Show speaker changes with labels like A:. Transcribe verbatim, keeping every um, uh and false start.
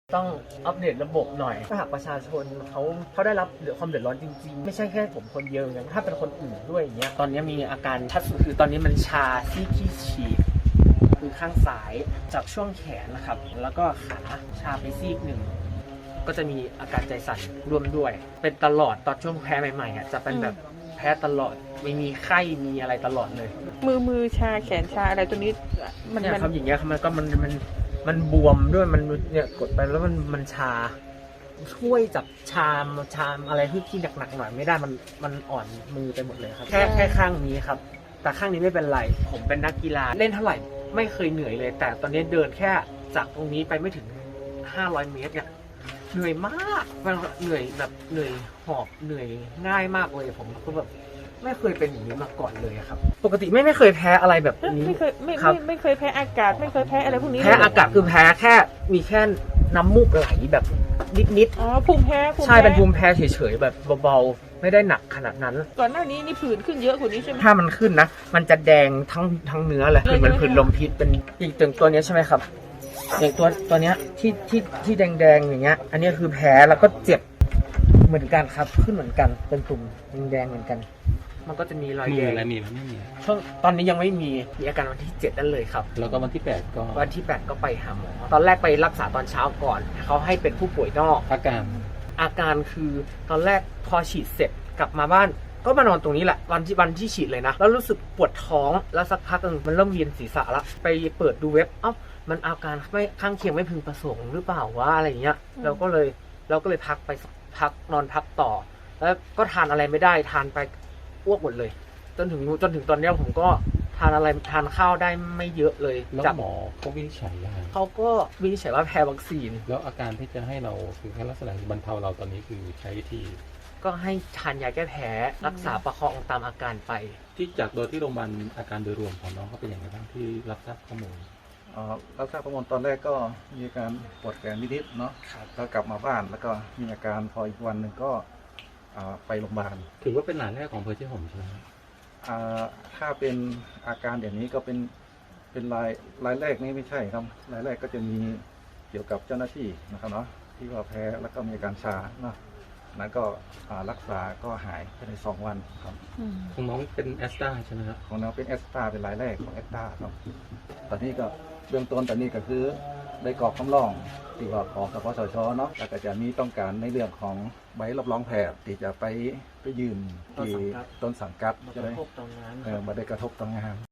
A: ต้องอัปเดตระบบหน่อยถ้าหากประชาชนเขาเขาได้รับความเดือดร้อนจริงๆไม่ใช่แค่ผมคนเดียวอย่างถ้าเป็นคนอื่นด้วยอย่างเงี้ยตอนนี้มีอาการชัดสุดคือตอนนี้มันชาที่ที่ฉีกคือข้างซ้ายจากช่วงแขนนะครับแล้วก็ขาชาไปซีกหนึ่งก็จะมีอาการใจสั่นร่วมด้วยเป็นตลอดตอนช่วงแพ้ใหม่ๆอ่ะจะเป็นแบบแพ้ตลอดไม่มีไข้มีอะไรตลอดเลย
B: มือมือชาแขนชาอะไรตัวนี้มัน
A: เนี่ย
B: มัน
A: ครับอย่างเงี้ยมันก็มันมันมันบวมด้วยมันเนี่ยกดไปแล้วมันมันชาช่วยจับชามชามอะไรที่ที่หนักๆหน่อยไม่ได้มันมันอ่อนมือไปหมดเลยครับแค่แค่ข้างนี้ครับแต่ข้างนี้ไม่เป็นไรผมเป็นนักกีฬาเล่นเท่าไหร่ไม่เคยเหนื่อยเลย แต่ตอนนี้เดินแค่จากตรงนี้ไปไม่ถึงห้าร้อยเมตรเนี่ยเหนื่อยมากมันเหนื่อยแบบเหนื่อยหอบเหนื่อยง่ายมากเลยผมก็แบบไม่เคยเป็นอย่างนี้มาก่อนเลยครับปกติไม่ไม่เคยแพ้อะไรแบบนี้
B: ไม่เคยไม่
A: ครับ
B: ไม่ไม่เคยแพ้อากาศไม่เคยแพ้อะไรพวกนี้
A: แพ้อากาศคือแพ้แค่มีแค่น้ำมูกไหลแบบนิด
B: อ๋อภูมิแพ้ภู
A: ๆ
B: มิ
A: ใช่
B: แพ้
A: เป็นภูมิแพ้เฉยๆแบบเบาๆไม่ได้หนักขนาดนั้น
B: ก่อนหน้านี้นี่ผื่นขึ้นเยอะกว่านี้ใช่ไหม
A: ถ้ามันขึ้นนะมันจะแดงทั้งทั้งเนื้อเลยคือเหมือนผื่นลมพิษเป็นอย่างตัวตัวนี้ใช่ไหมครับอย่างตัวตัวเนี้ยที่ที่ที่แดงๆอย่างเงี้ยอันนี้คือแพ้แล้วก็เจ็บเหมือนกันครับขึ้นเหมือนกันเป็นตุ่มแดงๆเหมือนกันมันก็จะมีรอย
C: มี
A: แดง
C: อะไรมีไหมไม่มี
A: ช่วงตอนนี้ยังไม่มีมีอาการวันที่เจ็ดนั่นเลยครับ
C: แล้วก็วันที่แปดก็
A: วันที่แปดก็ไปหาหมอตอนแรกไปรักษาตอนเช้าก่อนเขาให้เป็นผู้ป่วยนอก
C: อาการ
A: อาการคือตอนแรกพอฉีดเสร็จกลับมาบ้านก็มานอนตรงนี้แหละวันที่วันที่ฉีดเลยนะแล้วรู้สึกปวดท้องแล้วสักพักนึงมันเริ่มเวียนศีรษะละไปเปิดดูเว็บเอ้ามันอาการไม่ข้างเคียงไม่พึงประสงค์หรือเปล่าวะอะไรอย่างเงี้ยเราก็เลยเราก็เลยพักไปสักพักนอนพักต่อ แล้วก็ทานอะไรไม่ได้ทานไปอ้วกหมดเลยจนถึงจนถึงตอนนี้ผมก็ทานอะไรทานข้าวได้ไม่เยอะเลย
C: แล้ว
A: จาก
C: หมอเขาวินิจฉัยยังไง
A: เขาก็วินิจฉัยว่าแพ้วัคซีน
C: แล้วอาการที่จะให้เราคือแค่ลักษณะบรรเทาเราตอนนี้คือใช้วิธี
A: ก็ให้ทานยาแก้แพ้รักษาประคองตามอาการไป
C: ที่จากโดยที่โรงพยาบาลอาการโดยรวมของน้องเขาเป็นอย่างไรบ้างที่รับทราบข้อมูล
D: อ่ารับทราบข้อมูลตอนแรกก็มีอาการปวดแขนนิดๆเนาะแล้วกลับมาบ้านแล้วก็มีอาการพออีกวันหนึ่งก็อ่าไปโรงพยาบาล
C: ถือว่าเป็นหลานแรกของอำเพอเชียงผมใช่ไหมครับ
D: อ่าถ้าเป็นอาการอย่างนี้ก็เป็นเป็นรายรายแรกนี่ไม่ใช่ครับรายแรกก็จะมีเกี่ยวกับเจ้าหน้าที่นะครับเนาะที่ว่าแพ้แล้วก็มีอาการชาเนาะนั้นก็อ่ารักษาก็หายภายในสองวันครับ
B: อืม
C: ของน้องเป็นแอสตราใช่ไหมครับ
D: ของน้องเป็นแอสตราเป็นรายแรกของแอสตราครับตอนนี้ก็เบื้องต้นตอนนี้ก็คือได้กรอกคำร้องที่ว่าของสปสชเนาะแล้วก็จะมีต้องการในเรื่องของใบรับรองแพทย์ที่จะไปไปยืนที่ต้นสังกัด
A: มา
D: จะ
A: ก
D: ได้
A: ระทบตรงนั้น
D: เออมาได้กระทบต่องาน